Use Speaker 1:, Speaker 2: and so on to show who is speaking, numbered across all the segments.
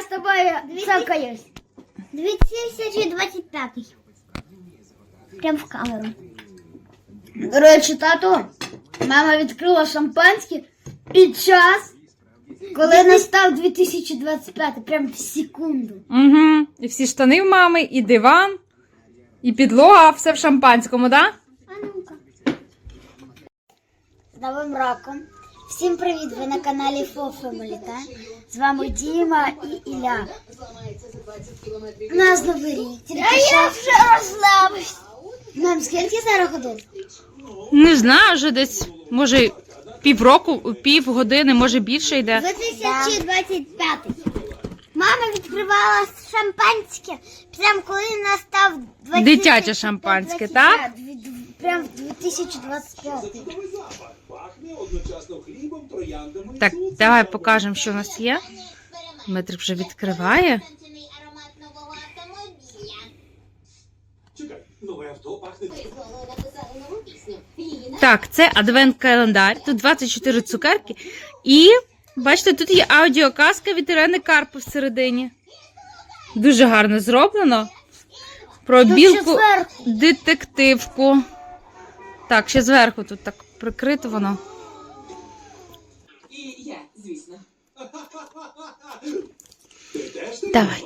Speaker 1: тобою цокаюсь. 2025. Прям в камеру. До речі, тато, мама відкрила шампанське під час, коли настав 2025, прям в секунду.
Speaker 2: Угу. І всі штани в мами, і диван, і підлога, все в шампанському, да?
Speaker 1: А ну-ка. З Новим роком. Всім привіт, ви на каналі FoFamily, так? З вами Діма і Ілля. У нас новий рік. А я вже розслабився. Мам, скільки зараз годин?
Speaker 2: Не знаю, вже десь, може, півгодини, може більше йде.
Speaker 1: 2025. Мама відкривала шампанське, прям коли настав 20...
Speaker 2: Дитяче шампанське, так?
Speaker 1: Прям 2025.
Speaker 2: Так, давай покажемо, що у нас є. Дмитрик вже відкриває. Так, це адвент-календар. Тут 24 цукерки. І, бачите, тут є аудіоказка від Ірени Карпи всередині. Дуже гарно зроблено. Про білку детективку. Так, ще зверху тут так прикрито воно.
Speaker 3: І я, звісно.
Speaker 2: Давай.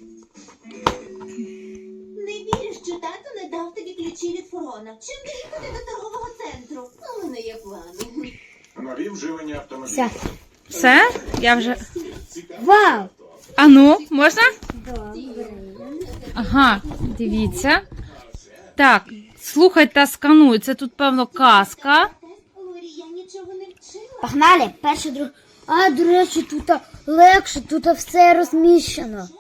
Speaker 3: Не віриш, що тато не дав тобі ключі від фургона. Чим доїхати до торгового центру? У мене є плани.
Speaker 4: Нові вживані автомобілі.
Speaker 1: Все.
Speaker 2: Все? Я вже...
Speaker 1: Вау!
Speaker 2: А ну, можна?
Speaker 1: Добре.
Speaker 2: Ага, дивіться. Так, слухай та скануй. Це тут, певно, казка.
Speaker 3: Лорі, я нічого не вчила.
Speaker 1: Погнали, перше, друге. А, до речі, тут легше, тут все розміщено.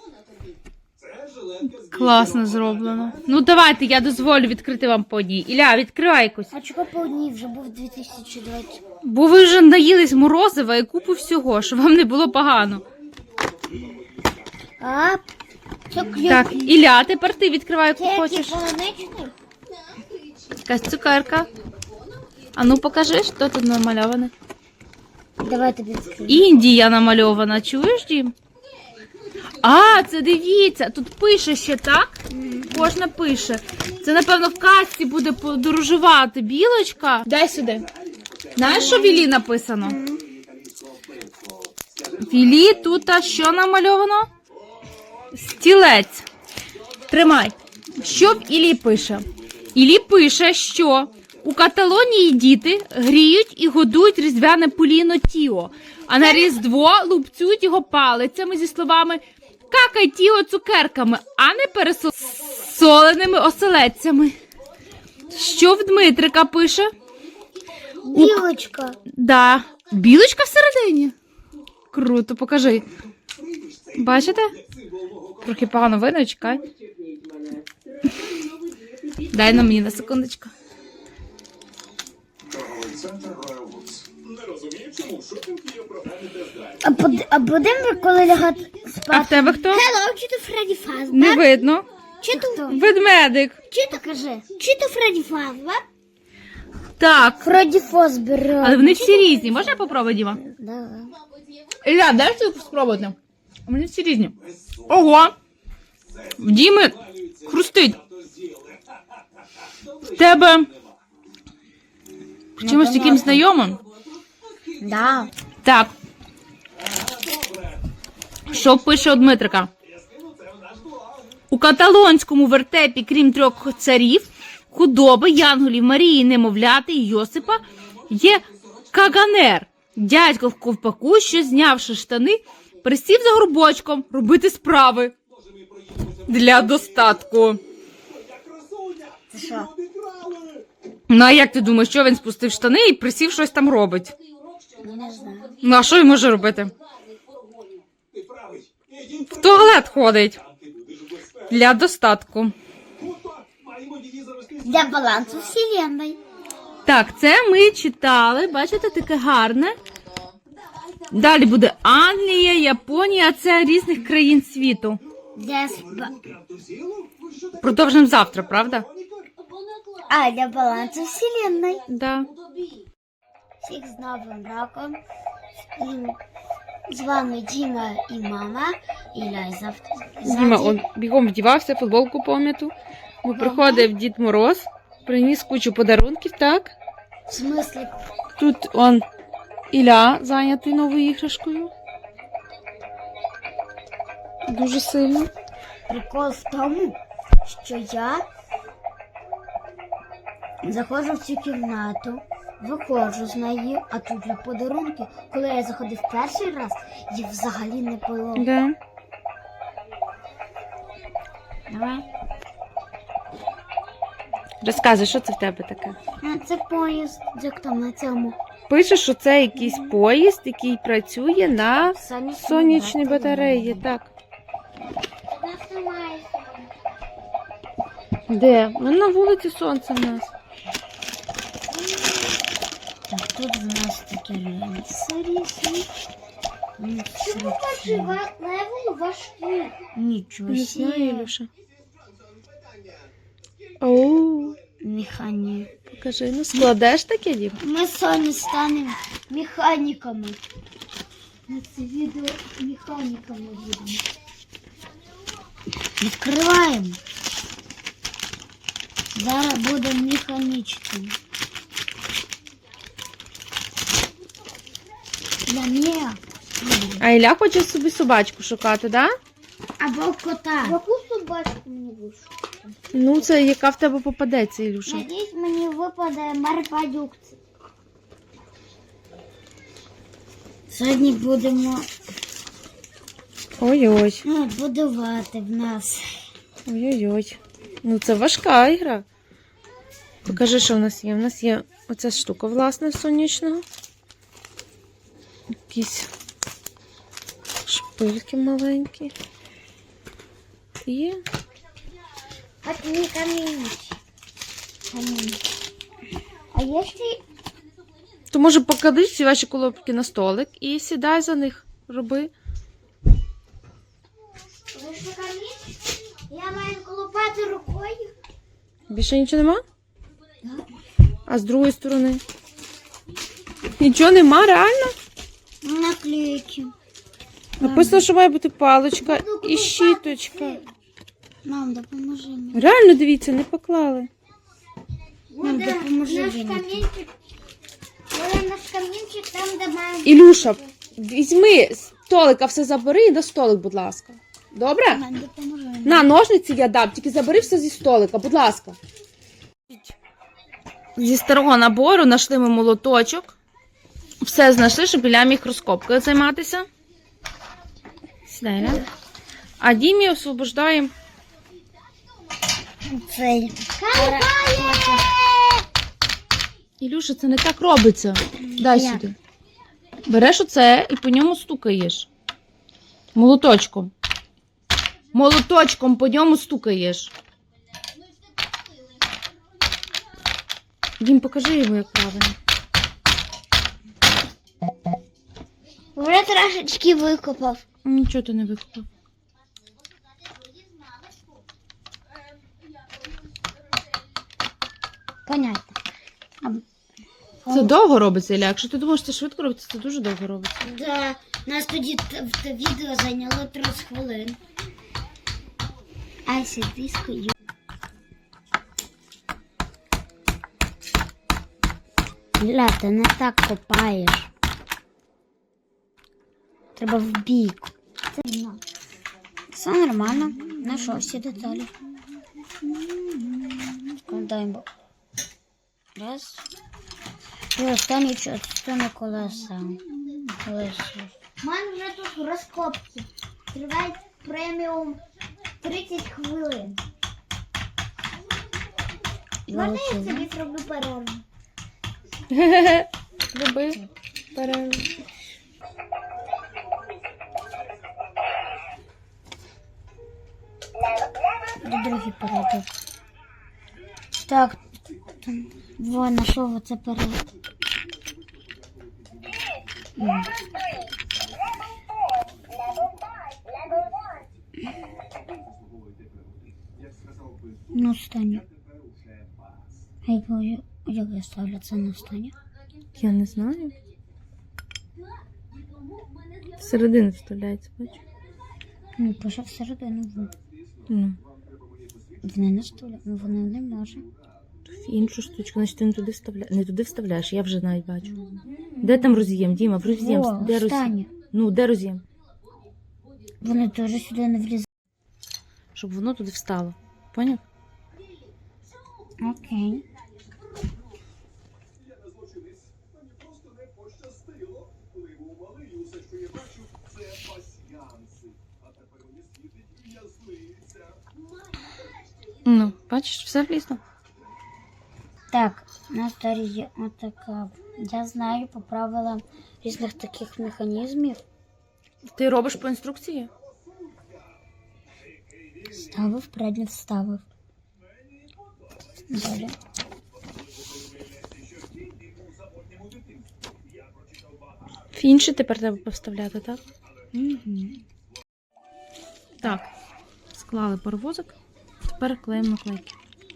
Speaker 2: Класно зроблено. Ну, давайте, я дозволю відкрити вам по одній. Ілля, відкривай якусь.
Speaker 1: А чого по одній вже був 2020?
Speaker 2: Бо ви вже наїлись морозива і купу всього, щоб вам не було погано.
Speaker 1: А,
Speaker 2: Так, Ілля, тепер ти відкривай, яку хочеш.
Speaker 1: полуничний?
Speaker 2: Якась цукерка. А ну покажи, що тут намальоване.
Speaker 1: Давай тобі відкрию.
Speaker 2: Індія намальована, чуєш, Дім? А, це дивіться, тут пише ще, так? Кожна пише. Це, напевно, в казці буде подорожувати білочка. Дай сюди. Знаєш, що в Іллі написано? В Іллі тут що намальовано? Стілець. Тримай. Що в Іллі пише? Іллі пише, що у Каталонії діти гріють і годують різдвяне поліно Тіо, а на Різдво лупцюють його палицями зі словами «какай Тіо цукерками», а не пересоленими оселедцями. Що в Дмитрика пише?
Speaker 1: Білочка.
Speaker 2: Да. Білочка всередині? Круто, покажи. Бачите? Трохи погано видно, чекай. Дай на мені на секундочку.
Speaker 4: Торговий центр Royal Woods. Не розумію, чому в шопінг є програмі тест-драйв.
Speaker 1: А будемо, коли лягати спати?
Speaker 2: А в тебе хто?
Speaker 1: Hello, чи то Фредді Фазбер?
Speaker 2: Не видно.
Speaker 1: Чи то?
Speaker 2: Ведмедик.
Speaker 1: Чи то кажи? Чи то Фредді Фазбер?
Speaker 2: Так.
Speaker 1: Фредді Фазбер.
Speaker 2: Але вони всі різні. Можна я попробую, Діма?
Speaker 1: Да.
Speaker 2: Ілля, дай ти спробувати. Вони всі різні. Ого! В Діми хрустить. В тебе чимось таким знайомим?
Speaker 1: Да.
Speaker 2: Так. Що пише у Дмитрика? У каталонському вертепі, крім 3 царів, худоби, янголів, Марії, немовляти і Йосипа, є каганер. Дядько в ковпаку, що, знявши штани, присів за горбочком робити справи. Для достатку.
Speaker 1: Це що?
Speaker 2: Ну, а як ти думаєш, що він спустив штани і присів щось там робить?
Speaker 1: Не знаю.
Speaker 2: Ну, а що він може робити? В туалет ходить. Для достатку.
Speaker 1: Для балансу вселенной.
Speaker 2: Так, це ми читали. Бачите, таке гарне. Далі буде Англія, Японія. Це різних країн світу. Продовжимо завтра, правда?
Speaker 1: А, для балансу вселенной.
Speaker 2: Да.
Speaker 1: Всіх з Новим роком. З вами Діма і мама. Ілля, і завтра.
Speaker 2: Діма он бігом вдівався, футболку пом'яту. Бо приходив Дід Мороз, приніс кучу подарунків, так?
Speaker 1: В смислі,
Speaker 2: Тут он Ілля зайнятий новою іграшкою. Дуже сильно.
Speaker 1: прикол в тому, що я заходжу в цю кімнату, виходжу з неї, а тут вже подарунки. Коли я заходив перший раз, їх взагалі не було.
Speaker 2: Да.
Speaker 1: Давай.
Speaker 2: Розказуй, що це в тебе таке?
Speaker 1: А, це поїзд, як там на цьому.
Speaker 2: Пише, що це якийсь поїзд, який працює на сонячній батареї. Так. Де? Ну, на вулиці сонце в нас.
Speaker 1: Так, тут в нас такі рельси. Нічого
Speaker 2: Не знаю,
Speaker 1: себе.
Speaker 2: Ілюша. Оу,
Speaker 1: Механік.
Speaker 2: покажи, ну складеш таке, Дім?
Speaker 1: Ми з Соню станемо механіками. На це відео механіками будемо. Відкриваємо. Зараз будемо механічними. Для мене.
Speaker 2: А Ілля хоче собі собачку шукати, да?
Speaker 1: Або кота.
Speaker 3: Яку собачку мені вийшло?
Speaker 2: Ну, це яка в тебе попадеться, Ілюша.
Speaker 1: Надіюсь, мені випаде Марпадюк. Сьогодні будемо
Speaker 2: Ой-ой.
Speaker 1: будувати в нас.
Speaker 2: Ой-ой-ой. Ну, це важка ігра. Покажи, що в нас є. У нас є оця штука, власне, сонячного. Якісь шпильки маленькі. І
Speaker 1: От не камінь. А якщо
Speaker 2: то, може, поклади всі ваші коробки на столик і сідай за них, роби.
Speaker 1: вийшло камінь, я маю колупати рукою.
Speaker 2: Більше нічого нема? А з другої сторони? Нічого нема, реально?
Speaker 1: Наклейки.
Speaker 2: Написано, що має бути паличка і щіточка.
Speaker 1: Мам, допоможи мені.
Speaker 2: Реально, дивіться, не поклали.
Speaker 1: Мам, допоможи
Speaker 3: Наш
Speaker 1: мені.
Speaker 3: камінчик. Буде наш камінчик там, де має.
Speaker 2: Ілюша, візьми з столика, все забери і на столик, будь ласка. Добре?
Speaker 1: Мам, допоможи мені.
Speaker 2: На, ножниці я дам, тільки забери все зі столика, будь ласка. Зі старого набору знайшли ми молоточок. Все знайшли, щоб Ілля міг розкопкою займатися. Сідай, Ілля. А Дімі освобождаємо.
Speaker 1: Цей.
Speaker 2: Ілюша, це не так робиться. Дай
Speaker 1: Як?
Speaker 2: сюди. Береш оце і по ньому стукаєш. Молоточком. Молоточком по ньому стукаєш. Дім, покажи йому, як правильно.
Speaker 1: Вже трошечки викопав.
Speaker 2: Нічого ти не викупив.
Speaker 1: Понятно.
Speaker 2: Це довго робиться, Ілля. Якщо ти думаєш, це швидко робиться, це дуже довго робиться.
Speaker 1: Да, нас тоді в відео зайняло 30 хвилин. Ай, сидискою. Ілля, ти не так копаєш. Треба в бік. Все нормально. Знайшов всі деталі. Складаємо. Раз. І останню частину колеса. У мене вже тут розкопки. Тривають преміум 30 хвилин. Можна я собі зроблю перерву?
Speaker 2: Роби перерву.
Speaker 1: До другий перейду. Так, во, знайшов оце перед. Ну, останнє. Як я ставлю це на останнє?
Speaker 2: Я не знаю. Всередину вставляється, бачу.
Speaker 1: Ну, пише всередину.
Speaker 2: Ну,
Speaker 1: Вони на столі. Ну, вони не можуть.
Speaker 2: в іншу штучку, значить ти не туди вставляєш, я вже навіть бачу. Де там роз'єм, Діма, в роз'єм.
Speaker 1: О,
Speaker 2: Де роз'єм?
Speaker 1: останнє.
Speaker 2: Ну, де роз'єм?
Speaker 1: Вони теж сюди не влізають.
Speaker 2: Щоб воно туди встало. Поняв?
Speaker 1: Окей.
Speaker 4: Я не злочинець. Мені просто не пощастило. Коли я був малий, усе, що я бачу, це пасьянси. А тепер мені світить в'язниця.
Speaker 2: Ну, бачиш, все влізло.
Speaker 1: Так, на столі є отака. Я знаю по правилам різних таких механізмів.
Speaker 2: Ти робиш по інструкції?
Speaker 1: Ставив, передньо вставив. Далі.
Speaker 2: В інші тепер треба поставляти, так?
Speaker 1: Угу.
Speaker 2: Так. Склали паровозик. Тепер клеїмо наклейки.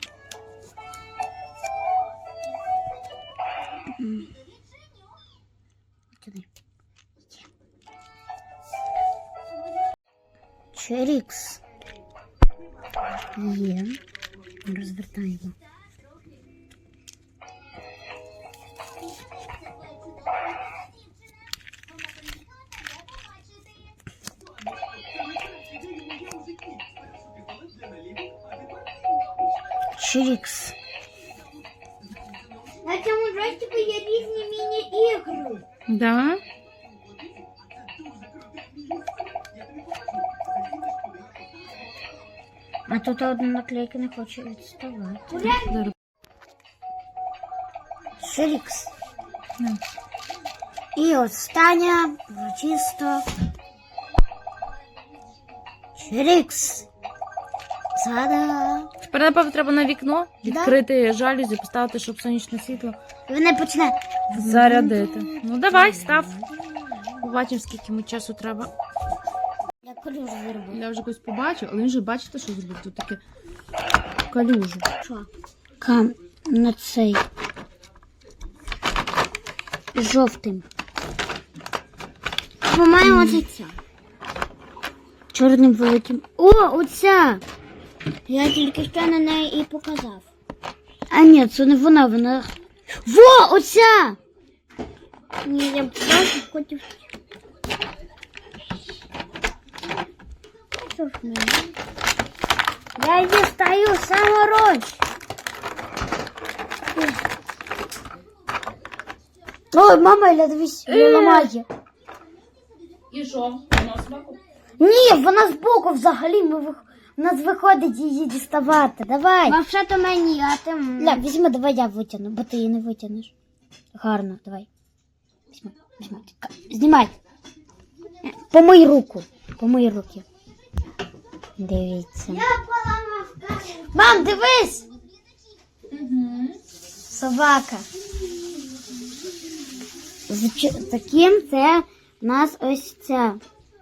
Speaker 1: Туди. Черікс. Є. Розвертаємо. Черікс. На цьому джойстику є різні міні-ігри.
Speaker 2: Да?
Speaker 1: А тут одна наклейка не хоче відставати.
Speaker 2: Зараз.
Speaker 1: Шерікс.
Speaker 2: Ну.
Speaker 1: І остання, урочисто. Шерікс. Та-да!
Speaker 2: Тепер, напевно, треба на вікно відкрити жалюзі, поставити, щоб сонячне світло
Speaker 1: І вона почне
Speaker 2: зарядити. Ну, давай, став. Побачимо, скільки ми часу треба.
Speaker 1: Я калюжу зроблю.
Speaker 2: Я вже когось побачив, але він же бачите, що зробив? Тут таке калюжу.
Speaker 1: Що? Кам на цей. Жовтим. По-моєму, це ця. Чорним великим. О, оця! Я тільки що на неї і показав. А ні, це не вона, вона... Во, оця! Ні, я просто хотів... Що ж мені? Я дістаю самороч. Ой, мама, я дивись, я ламаю.
Speaker 2: І що? Вона смаку?
Speaker 1: Ні, вона збоку взагалі. У нас виходить її діставати. Давай. Вообще-то мені, а ти... Ля, візьми, давай я витягну, бо ти її не витягнеш. Гарно, давай. Візьми, візьми. Знімай. Помий руку. Помий руки. Дивіться. Мам, дивись! Собака. З таким це у нас ось ця.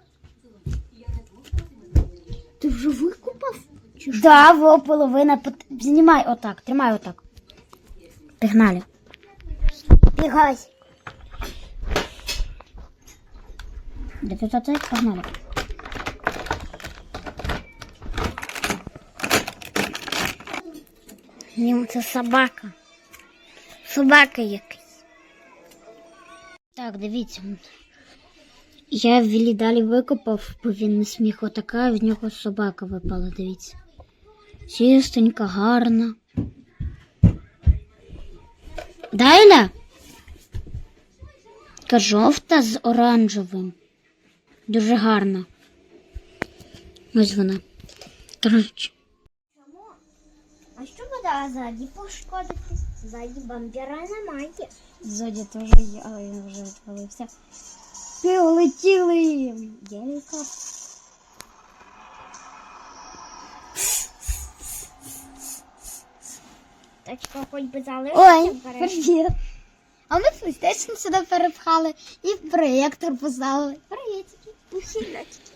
Speaker 1: Ти вже викупав? Да, во половина. Знімай отак, тримай отак. Пігнали. Бігай. Де тут оце? Погнали. Ні, це собака. Собака якась. Так, дивіться. Я Віллі далі викопав, бо він не сміг отака, в нього собака випала, дивіться. Чистенька, гарна. Дайля? Така жовта з оранжевим. Дуже гарна. Ось вона. Коротше. А що буде ззаді пошкодити? Ззаді бампера немає. Ззаді теж є, але він вже відвалився. Полетіли! Єлька. Тачка хоч би залишилася. Ой, привіт. А ми PlayStation сюди перепхали і проєктор поставили. Привітики. Ухилячки.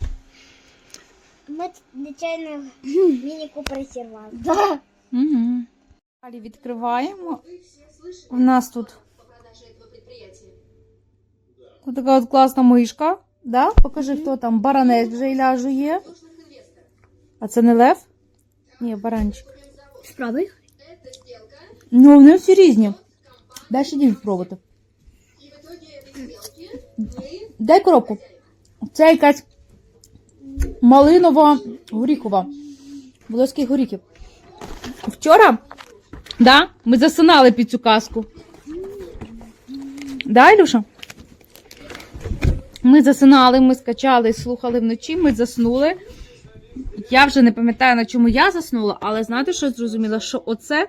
Speaker 1: Ми нечайно міні-купер зірвали. Да.
Speaker 2: Угу. Далі відкриваємо. У нас тут така от класна мишка. Да? Покажи, хто там. Баранець вже Ілля жує. А це не лев? Ні, баранчик.
Speaker 1: Спробуй.
Speaker 2: Ну, вони всі різні. Дай ще один спробувати. Дай коробку. Це якась малинова горіхова. Волоських горіхів. Вчора, да, ми засинали під цю казку. Да, Ілюша? Ми засинали, ми скачали, слухали вночі, ми заснули. Я вже не пам'ятаю, на чому я заснула, але знаєте, що зрозуміла? Що оце,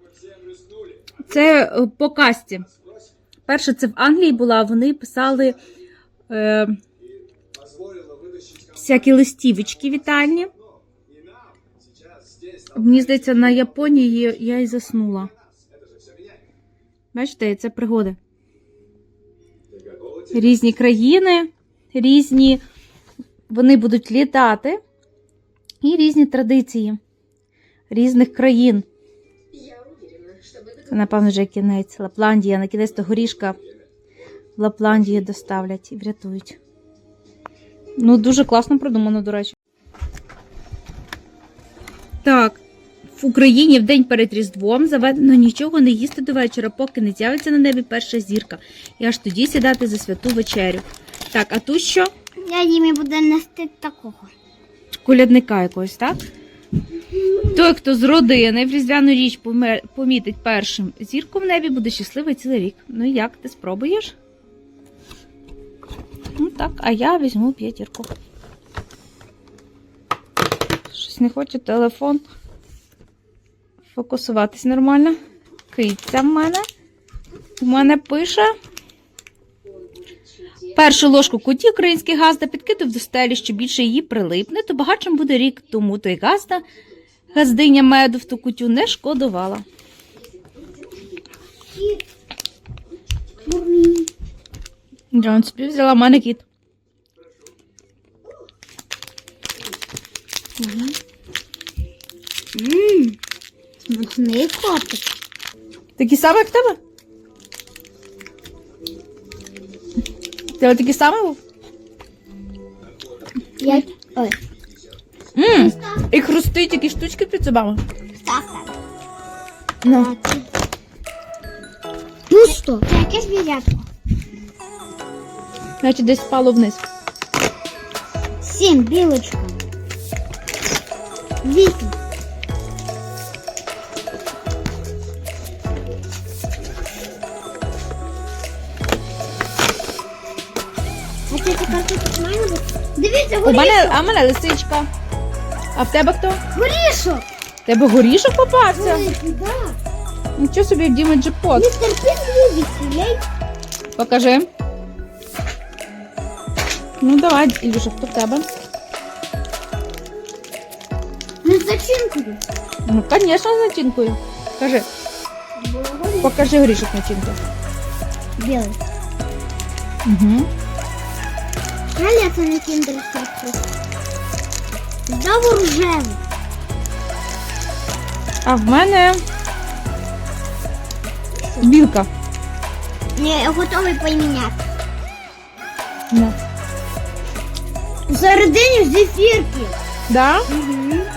Speaker 2: це по казці. Перше, це в Англії була, вони писали всякі листівочки вітальні. Мені здається, на Японії я і заснула. Бачите, це пригоди. Різні країни, різні, вони будуть літати, і різні традиції різних країн. Це, напевно, вже кінець. Лапландія, на кінець того горішка в Лапландію доставлять і врятують. Ну, дуже класно продумано, до речі. Так, в Україні в день перед Різдвом заведено нічого не їсти до вечора, поки не з'явиться на небі перша зірка. І аж тоді сідати за святу вечерю. Так, а тут що?
Speaker 1: Я Дімі буде нести такого.
Speaker 2: Колядника якогось, так? Той, хто з родини в різдвяну річ помітить першим зірку в небі, буде щасливий цілий рік. Ну як, ти спробуєш? Ну так, а я візьму 5. Щось не хоче телефон фокусуватись нормально. Киця в мене. У мене пише. Першу ложку куті український газда підкидав до стелі, що більше її прилипне, то багатшим буде рік, тому той газдиня меду в ту кутю не шкодувала. Джон собі взяла в мене кіт.
Speaker 1: Смачний котик.
Speaker 2: Такі самі, як в тебе? Ти такий самий був?
Speaker 1: Ой,
Speaker 2: І хрустить такі штучки під зубами.
Speaker 1: так.
Speaker 2: Ну.
Speaker 1: Ну що? Це якесь звірятко.
Speaker 2: Значить, десь впало вниз.
Speaker 1: 7, білочка. 8. А це така тут має бути? Дивіться,
Speaker 2: У мене лисичка. А в тебе хто?
Speaker 1: горішок.
Speaker 2: В тебе горішок попався?
Speaker 1: Да.
Speaker 2: Нічого собі, в Діми джекпот.
Speaker 1: Містер Пін любить стріляй.
Speaker 2: Покажи. Ну давай, Ілюша, хто в тебе?
Speaker 1: Не зачинкою.
Speaker 2: Ну, звісно, з начинкою. Кажи. Покажи горішок начинку.
Speaker 1: Білий.
Speaker 2: Угу.
Speaker 1: Жаль, це не кіндер сюрприз. Знову рожевий.
Speaker 2: А в мене білка.
Speaker 1: Я готовий поміняти.
Speaker 2: Ну.
Speaker 1: Всередині зефірки.
Speaker 2: Да?
Speaker 1: Угу.